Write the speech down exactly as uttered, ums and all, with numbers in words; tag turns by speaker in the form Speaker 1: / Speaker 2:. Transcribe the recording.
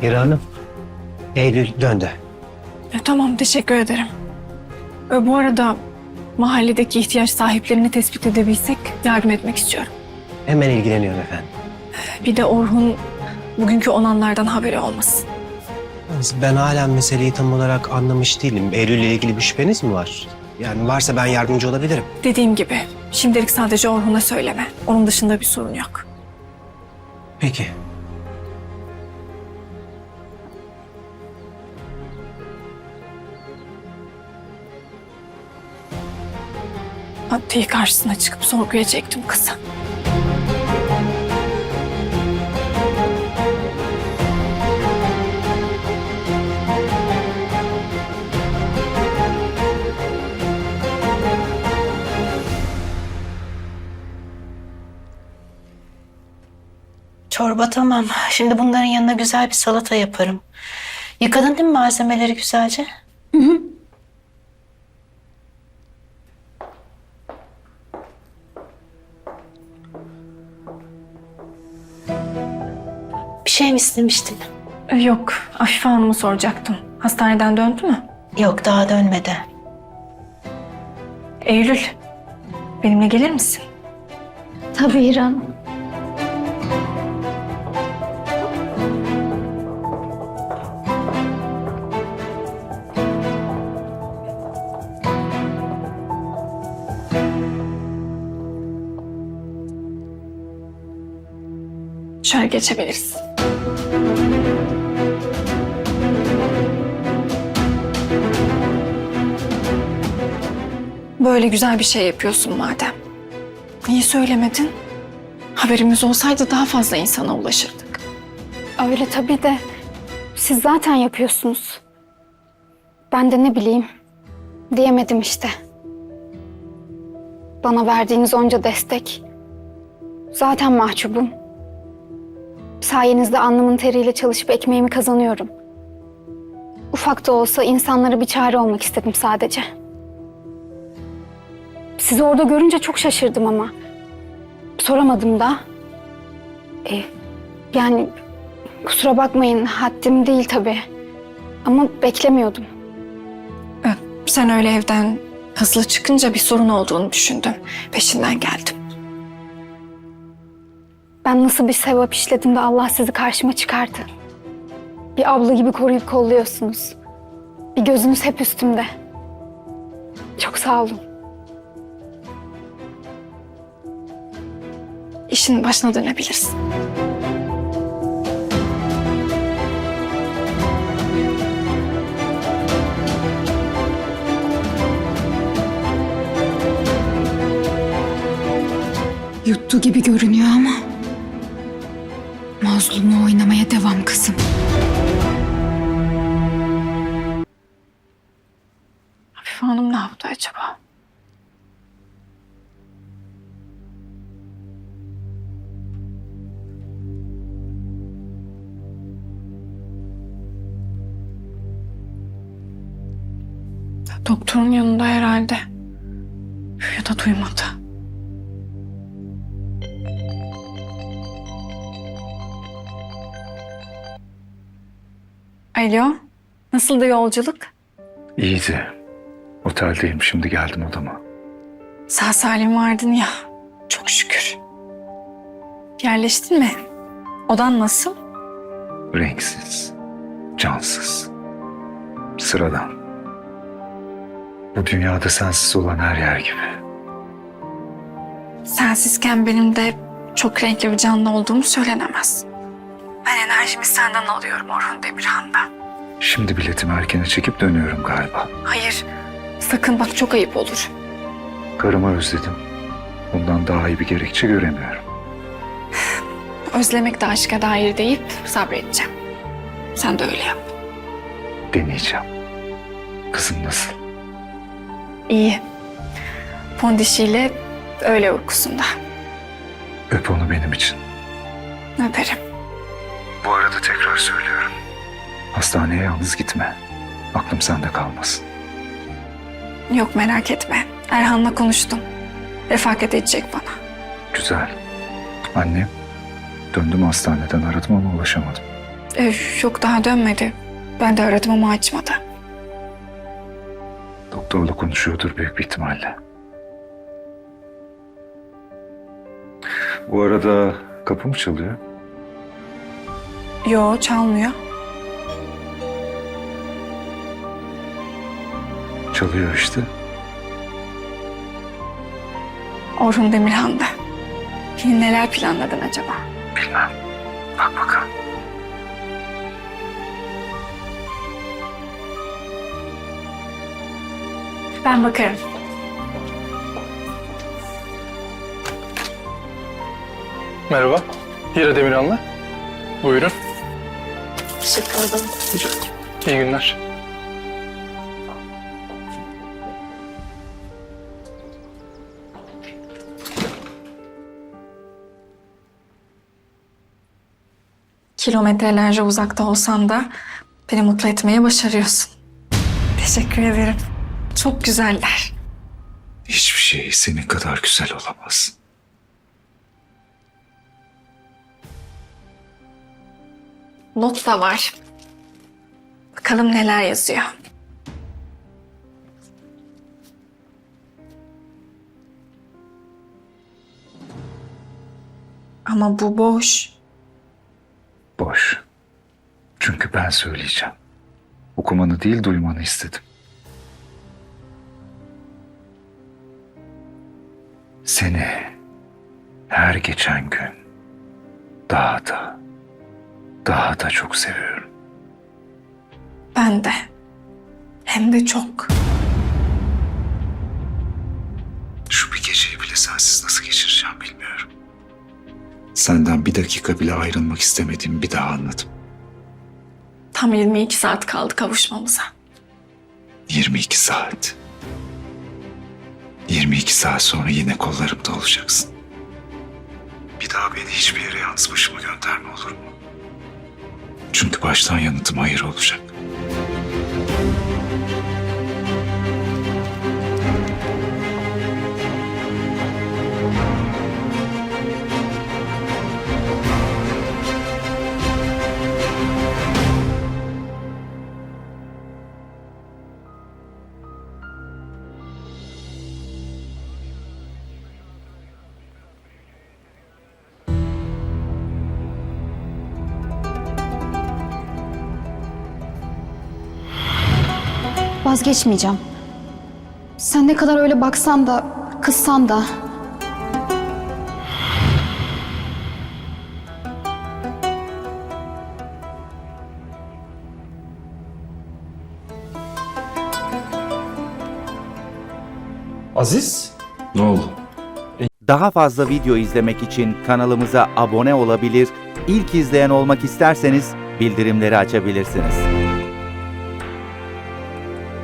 Speaker 1: Hira Hanım, Eylül döndü.
Speaker 2: E, tamam, teşekkür ederim. E, bu arada mahalledeki ihtiyaç sahiplerini tespit edebilsek yardım etmek istiyorum.
Speaker 1: Hemen ilgileniyorum efendim.
Speaker 2: Bir de Orhun bugünkü olanlardan haberi olmasın.
Speaker 1: Ben hala meseleyi tam olarak anlamış değilim. Eylül'le ilgili bir şüpheniz mi var? Yani varsa ben yardımcı olabilirim.
Speaker 2: Dediğim gibi şimdilik sadece Orhun'a söyleme. Onun dışında bir sorun yok.
Speaker 1: Peki.
Speaker 2: Adliye karşısına çıkıp sorguya çektim kızı.
Speaker 3: Çorba tamam. Şimdi bunların yanına güzel bir salata yaparım. Yıkadın değil mi malzemeleri güzelce? Hı hı. Bir şey mi istemiştin?
Speaker 2: E, yok, Afife Hanım'ı soracaktım. Hastaneden döndü mü?
Speaker 3: Yok, daha dönmedi.
Speaker 2: Eylül, benimle gelir misin?
Speaker 4: Tabii İran.
Speaker 2: Şöyle geçebiliriz. Böyle güzel bir şey yapıyorsun madem. Niye söylemedin? Haberimiz olsaydı daha fazla insana ulaşırdık.
Speaker 4: Öyle tabii de siz zaten yapıyorsunuz. Ben de ne bileyim diyemedim işte. Bana verdiğiniz onca destek. Zaten mahcubum. Sayenizde alnımın teriyle çalışıp ekmeğimi kazanıyorum. Ufak da olsa insanlara bir çare olmak istedim sadece. Sizi orada görünce çok şaşırdım ama. Soramadım da. E, yani kusura bakmayın, haddim değil tabii. Ama beklemiyordum.
Speaker 2: Ee, Sen öyle evden hızlı çıkınca bir sorun olduğunu düşündüm. Peşinden geldim.
Speaker 4: Ben nasıl bir sevap işledim de Allah sizi karşıma çıkardı. Bir abla gibi koruyup kolluyorsunuz. Bir gözünüz hep üstümde. Çok sağ olun.
Speaker 2: İşin başına dönebilirsin.
Speaker 4: Yuttu gibi görünüyor ama mazlumu oynamaya devam kızım.
Speaker 2: Afife Hanım ne yaptı acaba? Doktorun yanında herhalde. Ya da duymadı. Alo, nasıldı yolculuk?
Speaker 5: İyiydi. Oteldeyim, şimdi geldim odama.
Speaker 2: Sağ salim vardın ya, çok şükür. Yerleştin mi? Odan nasıl?
Speaker 5: Renksiz, cansız, sıradan. Bu dünyada sensiz olan her yer gibi.
Speaker 2: Sensizken benim de çok renkli bir canlı olduğumu söylenemez. Ben enerjimi senden alıyorum Orhun Demirhan'dan.
Speaker 5: Şimdi biletimi erkene çekip dönüyorum galiba.
Speaker 2: Hayır, sakın bak, çok ayıp olur.
Speaker 5: Karımı özledim. Bundan daha iyi bir gerekçe göremiyorum.
Speaker 2: Özlemek de aşka dair deyip sabredeceğim. Sen de öyle yap.
Speaker 5: Deneyeceğim. Kızım nasıl?
Speaker 2: İyi. Pondişiyle öğle uykusunda.
Speaker 5: Öp onu benim için.
Speaker 2: Öperim.
Speaker 5: Bu arada tekrar söylüyorum. Hastaneye yalnız gitme. Aklım sende kalmasın.
Speaker 2: Yok, merak etme. Erhan'la konuştum. Refakat edecek bana.
Speaker 5: Güzel. Annem? Döndüm hastaneden, aradım ama ulaşamadım.
Speaker 2: Ee, yok daha dönmedi. Ben de aradım ama açmadı.
Speaker 5: Doktorla konuşuyordur büyük bir ihtimalle. Bu arada kapı mı çalıyor?
Speaker 2: Yo çalmıyor.
Speaker 5: Çalıyor işte.
Speaker 2: Orhun Demirhan'da. Yine neler planladın acaba?
Speaker 5: Bilmem. Bak bakalım.
Speaker 2: Ben bakarım.
Speaker 6: Merhaba. Hira Demirhan'la. Buyurun.
Speaker 3: Teşekkür ederim.
Speaker 6: İyi günler.
Speaker 2: Kilometrelerce uzakta olsan da beni mutlu etmeye başarıyorsun. Teşekkür ederim. Çok güzeller.
Speaker 5: Hiçbir şey senin kadar güzel olamaz.
Speaker 2: Not da var. Bakalım neler yazıyor. Ama bu boş.
Speaker 5: Boş. Çünkü ben söyleyeceğim. Okumanı değil duymanı istedim. Seni her geçen gün daha da daha da çok seviyorum.
Speaker 2: Ben de. Hem de çok.
Speaker 5: Şu bir geceyi bile sensiz nasıl geçireceğim bilmiyorum. Senden bir dakika bile ayrılmak istemediğimi bir daha anladım.
Speaker 2: Tam yirmi iki saat kaldı kavuşmamıza.
Speaker 5: yirmi iki saat. yirmi iki saat sonra yine kollarımda olacaksın. Bir daha beni hiçbir yere yalnız başıma gönderme olur mu? Çünkü baştan yanıtım hayır olacak.
Speaker 4: Vazgeçmeyeceğim. Sen ne kadar öyle baksan da, kızsan da.
Speaker 7: Aziz?
Speaker 5: Ne oldu?
Speaker 8: Daha fazla video izlemek için kanalımıza abone olabilir, ilk izleyen olmak isterseniz bildirimleri açabilirsiniz.